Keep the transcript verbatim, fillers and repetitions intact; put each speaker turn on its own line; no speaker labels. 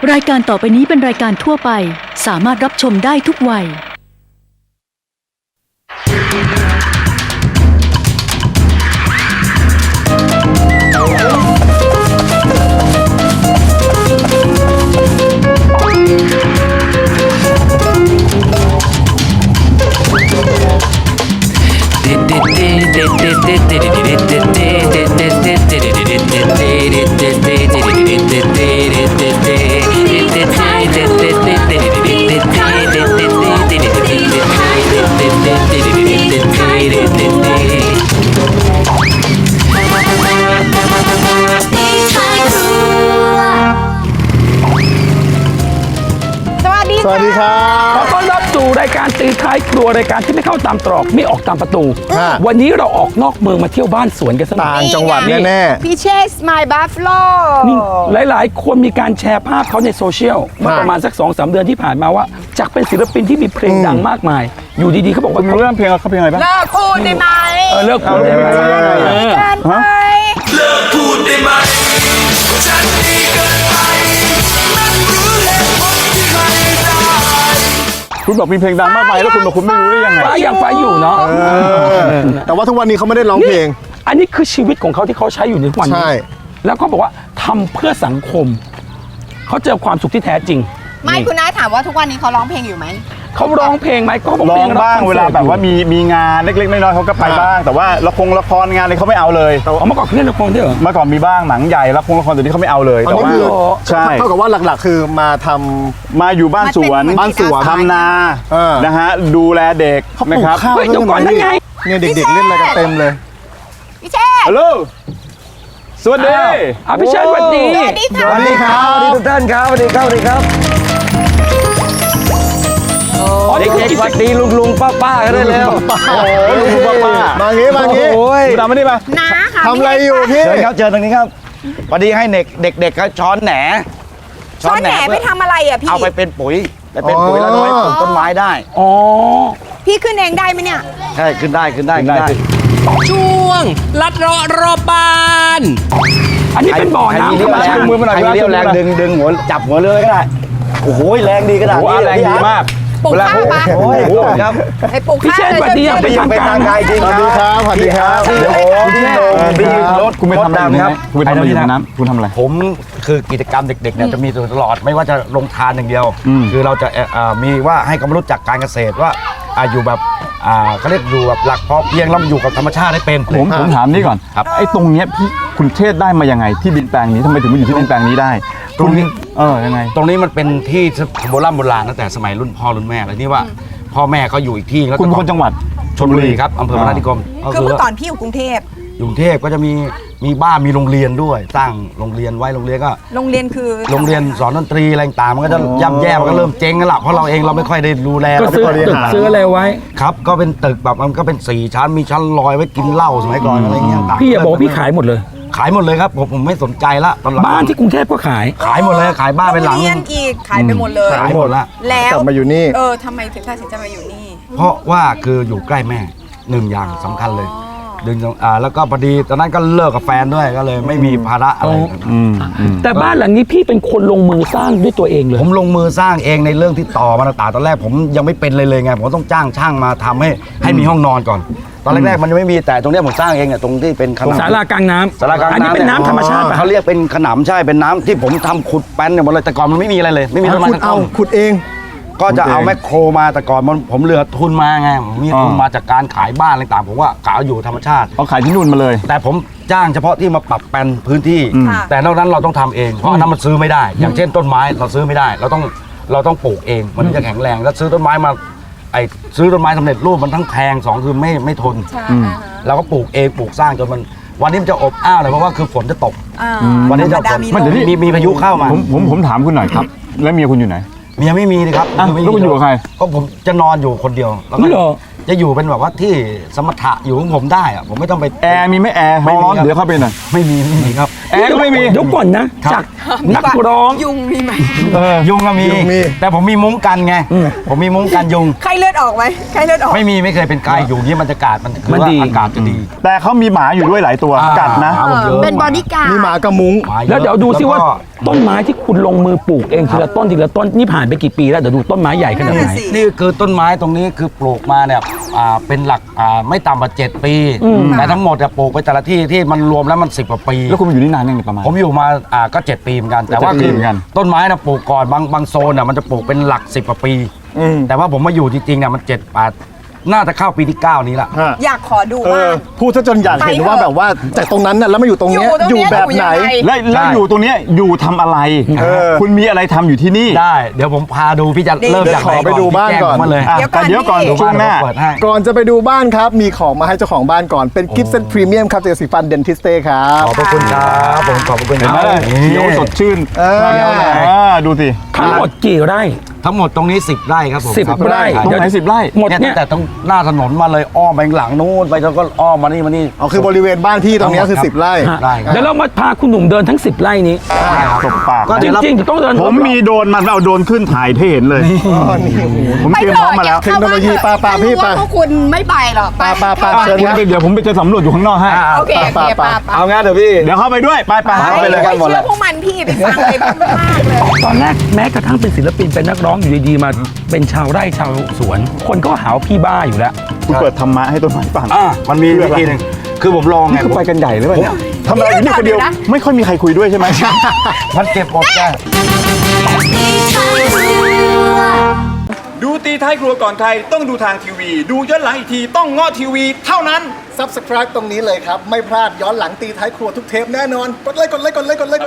รายการต่อไปนี้เป็นรายการทั่วไปสามารถรับชมได้ทุกวัย
สวัสดีครับ
ขอต้อนรับสู่รายการตีท้ายครัวรายการที่ไม่เข้าตามตรอกไม่ออกตามประตู วันนี้เราออกนอกเมืองมาเที่ยวบ้านสวนกันสักหน่อย
ต่างจังหวัดแน่ๆ
พี่เชสไมล์บัฟฟาโล
นี่หลายๆ คนมีการแชร์ภาพเขาในโซเชียลเมื่อประมาณสัก สองสาม เดือนที่ผ่านมาว่าจากเป็นศิลปินที่มีเพลงดังมากมาย อยู่ดีๆเขาบอกว่า
รู้เรื่องเพลงเขาเพลงอะไรบ้าง
เลิกพูดได้ไหม
เออเลิกพูดได้ไหม
เกินไป
เลิกพูดได้ไหมฉันดีเกินไปนั่นรู้เหตุผลที่ใครได้
คุณบอกมีเพลงดังมากมายแล้วคุณบอกคุณไม่รู้ได้ยังไง
ฟ้ายังฟ้าอยู่เนาะ
แต่ว่าทุกวันนี้เขาไม่ได้ร้องเพลง
อันนี้คือชีวิตของเขาที่เขาใช้อยู่ในทุกวันนี้
ใช่
แล้วก็บอกว่าทำเพื่อสังคมเขาเจอความสุขที่แท้จริง
ไม่คุณน้าถามว่าทุกวันนี้เขาร้องเพลงอยู่ไหม
เขาร้องเพลงไหมก็บอก
ร้
เพ
อ
ล
ง
ง
บ้างเวลาแบบว่ามีมีงานเล็กๆน้อยๆเขาก็ไปบ้าง แต่ว่าละครละครงานอะไรเขาไม่เอาเลย
เอามาก่อนเขาเล่นละครด้วยเหรอ
เมื่อก่อนมีบ้างหนังใหญ่ละครละครตัวนี้เขาไม่เอาเลย
อัน
แต่
นี้
ว่า
คือ
ใช่
เท่ากับว่าหลักๆ คือมาทำ
มาอยู่บ้านสวน
บ้านสวน
ทำนา
เออ
นะฮะดูแลเด็ก
เขาปลู
นะ
ก
ครับ
ข้าว
เฮ้ยเดี๋ยวก่อนนั่นไง
เนี่ยเด็กๆเล่นอะไรกันเต็มเลย
พี่เชส
ฮัลโหลสวัสดี
อ้าวพี่เชิญสวัสดี
สวัสดีค่ะ
สวัสดีครับ
สวัสดีทุกท่านครับสวัสดีครับสวัสดีครับ
อ๋อนี่คือ
เด็ก
กิ
ๆ
จ
สวัสดีลุงลุงป้าป้ากันได้แล้ว
โอ้โหลุงคุณป้าป้า
มางี้มางี้
โอ้ย
คุณดำมานี่มา
น้าค่ะ
ทำอะไรอยู่พี่
เชิญครับเชิญตรงนี้ครับพอดีให้เด็กเด็กๆเขาช้อนแหน
ช้อนแหนไปทำอะไรอ่ะพี่
เอาไปเป็นปุ๋ยไปเป็นปุ๋ย
อ๋อ
แล้วเอาไว้ปลูกต้นไม้ได้
อ๋อ
พี่ขึ้นเองได้ไหมเนี่ย
ใช่ขึ้นได้ขึ้นได้
ขึ้
ขึ้
น
น
ได้
ได้
ช่วงลัดเลาะรอบบ้าน
อันนี้เป็นบ่อ
ใครมี
น้ำธ
เรี่
ร
ยว
รม
แร
ชาง ติ
มือมาหน่อย
ใครมีเรี่ยวแรง
มือมาหน่อย
ดึงดึงหัวจับหัวเรือก็ได้โอ้โหแรงดีขนาด
โอ้
นี้
โหแรงดีมาก
ปลูกข้าวปะ
โอ้ยครับ
ไปปลูก
พี่
ข้าว
เชษ
เลย
สวัสดีอย่าง
ไป
เป็น
ยิง
ทาง
ไป
การ
ทางไกลจริง
สวัสดีครับสวัสดีครับ
พี่โอ้พี่โหนพี่รถ
คุณไปทำอะไรอยู่
ค
นะ
รับ
คุณไปทำอะไรอยู่ในน้ำคุณทำอะไร
ผมคือกิจกรรมเด็กๆเนี่ยจะมีตลอดไม่ว่าจะลงทานอย่างเดียว
อืม
คือเราจะเอ่อเอ่อมีว่าให้ความรู้จักการเกษตรว่าอ่าอยู่แบบอ่าเขาเรียกอยู่แบบหลักพอเพียงแล้วอยู่กับธรรมชาติได้เป็น
ผมผมถามนี่ก่อน
ครับ
ไอ้ตรงเนี้ยพี่คุณเทศได้มายังไงที่ดินแปลงนี้ทำไมถึงมาอยู่ที่ดินแปลงนี้ได้
ตรงนี้
เออยังไง
ตรงนี้มันเป็นที่โบราณโบราณตั้งแต่สมัยรุ่นพ่อรุ่นแม่แล้วที่ว่าพ่อแม่เขาอยู่อีกที่แล้ว
คุณเป็นคนจังหวัด
ชลบุรีครับอำเภอพนัสนิคม
คือเมื่อก่อนพี่อยู่กรุงเทพ
อยู่กรุงเทพก็จะมีมีบ้านมีโรงเรียนด้วยสร้างโรงเรียนไว้โรงเรียนก็
โรงเรียนคือ
โรงเรียนสอนดนตรีอะไรต่างๆมันก็จะย่ำแย่มันก็เริ่มเจ๊งกันละเพราะเราเองเราไม่ค่อยได้ดูแล
ก็
เราไม่
ซื้อ
ค่อยได้
ตึก
หา
ซื้ออะไรไว้
ครับก็เป็นตึกแบบมันก็เป็นสี่ชั้นมีชั้นลอยไว้กินเหล้าสมัยก่อนอะไรเงี้ยต่าง
พี่อย่าบอกว่าพี่ขายหมดเลย
ขายหมดเลยครับผมผมไม่สนใจละตอนหลัง
บ้านที่กรุงเทพก็ขาย
ขายหมดเลยขายบ้าน
โร
เป็น
ง
หลัง
เรียนอีกขายไปหมดเลย
ขายหมดละ
แล้ว
กลับมาอยู่นี่
เออทำไมถึงตัดสินใจมาอยู่นี่
เพราะว่าคืออยู่ใกล้แม่หนึ่งอย่างสำคัญเลยดึงอ่าแล้วก็พอดีตอนนั้นก็เลิกกับแฟนด้วยก็เลยไม่มีภาระอะไร
อืมอืม
แต่บ้านหลังนี้พี่เป็นคนลงมือสร้างด้วยตัวเองเลย
ผมลงมือสร้างเองในเรื่องที่ต่อมาต่างๆตอนแรกผมยังไม่เป็นเลยเลยไงผมต้องจ้างช่างมาทำให้ให้มีห้องนอนก่อน ตอนแรกๆมันยังไม่มีแต่ตรงเนี้ยผมสร้างเองเนี่ยตรงที่เป็นขนำ
ศาลากลางน้ำ
สารกลาง
อันนี้
น้ำ
เป็นน้ำธรรมชาติป่ะ
เขาเรียกเป็นขนำใช่เป็นน้ำที่ผมทำขุดแป้นเนี่ยหมดเลยแต่ก่อนมันไม่มีอะไรเลย ไม่มีต้นไม้
ขุด
สัก
เอา
ต้น
ขุดเอง
ก็จะเอาแมคโครมาแต่ก่อนมันผมเหลือทุนมาไงผมมีทุน
อ่าม
มาจากการขายบ้านอะไรต่างผมว่ากะเอาอยู่ธรรมชาติ
เอาขายที่นู่นมาเลย
แต่ผมจ้างเฉพาะที่มาปรับแปลนพื้นที่
อืม
ค่ะ
แต่นอกนั้นเราต้องทำเองเพราะอันนั้นมันซื้อไม่ได้ อย่างเช่นต้นไม้เราซื้อไม่ได้ เราต้องเราต้องปลูกเองมันถึงจะแข็งแรงแล้วซื้อต้นไม้มาไอ้ซื้อต้นไม้สำเร็จรูปมันทั้งแพงสองคือไม่ไม่ทน
ใช่
เราก็ปลูกเองปลูกสร้างจนมันวันนี้มันจะอบอ้าวเลยเพราะว่าคือฝนจะตก
อ่า
วันนี้จะ
ธรรมดามี
มัน
ล
เดี๋ยว
ม
นี้มีมีพายุเข้ามา
ผมผมผมถามคุณหน่อยครับ แล้วเมียคุณอยู่ไหน
เมียไม่มีเลยครับ
อ่ะ
ไม่มี
แล้วคุณอยู่กับใคร
ก็ผมจะนอนอยู่คนเดียวแล้วก็
นี่เหรอ
จะอยู่เป็นแบบว่าที่สมถะอยู่ของผมได้อะผมไม่ต้องไป
แอร์มีไหม่แอร์
ไม่มี
ร้อน
ครับ
เดี๋ยวเข้าไปหน่อย
ไม่มีไม่มีครับ
แอร์ก็ไม่มี
เดี๋ยวก่อนนะ จากนักร้อง
ยุงมีไหม
เออยุงก็มี
ยุงมี
แต่ผมมีมุ้งกันไง ผมมีมุ้งกันยุง
ไข้เลือดออกไหมไข้เลือดออก
ไม่มีไม่เคยเป็นไข้อยู่นี่มันจะกาดมันคือ
มัน
ว่า
ดี
อากาศจะดี
แต่เขามีหมาอยู่ด้วยหลายตัว
อ่า
กัดนะ
หมาผมเยอะ
เป็นบอดี้การ์ด
มีหมากระมุ้ง
หมาอะ
แล้วเดี๋ยวดูซิว่า
แล้ก็
ต้นไม้ที่คุณลงมือปลูกเองทีละต้นทีละต้นนี่ผ่านไปกี่ปีแล้วเดี๋ยวดูต้นไม้ใหญ่ขนาดไหน
นั่นน่ะสิ
นี่คือต้นไม้ตรงนี้คือปลูกมาเนี่ยอ่าเป็นหลักอ่าไม่ต่ำกว่าเจ็ดปีแต่ทั้งหมดจะปลูกไปแต่ละที่ที่มันรวมแล้วมันสิบกว่าปี
แล้วคุณมาอยู่นี่นานยังไงประมาณ
ผมอยู่มาอ่าก็เจ็ดปีเหมือนกัน แต่ว่า
เจ็ดปี
คือ
เหมือนกัน
ต้นไม้นะปลูกก่อนบางบางโซนน่ะมันจะปลูกเป็นหลักสิบกว่าปี
อืม
แต่ว่าผมมาอยู่จริงๆเนี่ยมันเจ็ดแปดน่าจะเข้าปีที่เก้านี้ละ
ฮะ
อยากขอดู
เอ
ว่า
อพูดซะจนอยากเห็นว่าแบบว่าจากตรงนั้นน่ะแล้วมาอยู่ตรงเนี้ย
อยู่ตรง
อยู่
เนี้ย
แบบไหน
อยู่ยังไง
แล้วแล้วอยู่ตรงเนี้ยอยู่ทำอะไร
เออ
คุณมีอะไรทำอยู่ที่นี่
ได้เดี๋ยวผมพาดูพี่จะ
ดี
เริ่ม
เดี๋ยว
จาก
ขอไปดูบ้านก่อน
พี่แจ้งผมมาเลย
อ่ะ
เดี๋ยวก่
แต่
อน
เดี๋ยวก่อน
พี่
ช่วงหน้า
เปิดให้
ก่อนจะไปดูบ้านครับ มีของมาให้เจ้าของบ้านก่อน เป็นกิฟต์เซตพรีเมียมครับจากสีฟันเดนทิสเต้ครับ
ขอบพระคุณครับผมขอบพระคุณ
เห็นไหม
ครับ
เขียวสดชื่น
เออ
อ่าดูสิ
ทั้งหมดกี่ไร่
ทั้งหมดตรงนี้สิบไร่ครับผม
สิบ
ครับ
ไร่
ตรงไหนสิบไร่
หมด
เนี่ย
เนี่
ตั้
ย
งแต่ตรงหน้าถนนมาเลยอ้อมไปข้างหลังนู้นไปแล้วก็อ้อมมานี่มานี่
เอาคือบริเวณบ้านพี่ตรงเนี้ยคือ
ครับ
สิบไร่
ฮะ
ได้ครับ
เดี๋ยวเรามาพาคุณหนุ่มเดินทั้งสิบไร่นี้
ตบปาก
ก็
จ
เดี๋ยวเรา
ริงๆจะต้องเดิน
ผมมีโดรนมันเอาโดรนขึ้นถ่ายให้เห็นเลย ผมเตรียมพร้อมมาแล้ว
เทคโนโลยีปาปาพี่ปา
พวกคุณไม่ไปหรอก
ปาปาปา
เข้
เชิญ
ผมไปเดี๋ยวผมไปจะสำรวจอยู่ข้างนอกให้
โอเคโอเคปาปา
เอางั้นเดี๋ยวพี่
เดี๋ยวเข้าไปด้วย ไปไป
ไป
เข้าไปเลย
ไม่เชื่อพวกมันพี่ไปฟังเลยพวกมันมากเลย
ตอนแรกแม้กระทั่งเป็นศิลปินเป็นนักร้องอยู่ดีๆมาเป็นชาวไร่ชาวสวน คนก็หาว่าพี่บ้าอยู่แล้ว
คุณเปิดธรรมะให้ต้นไม้ฟัง
อ่ามันมี
เพื่
วิ
ออะไร
ธีหนึ่งคือผมลองไง
นี่คือไปกันใหญ่เลยป่ะเนี่ยทำอะไรอยู่นี่คนเดียว ไม่ค่อยมีใครคุยด้วยใช่ไหม
มันเก็บอดได้
ดูตีท้ายครัวก่อนใครต้องดูทางทีวี ดูย้อนหลังอีกทีต้องง้อทีวีเท่านั้น
Subscribe ตรงนี้เลยครับ ไม่พลาดย้อนหลังตีท้ายครัวทุกเทปแน่นอน กดไลค์กดไลค์กดไลค์กดไลค์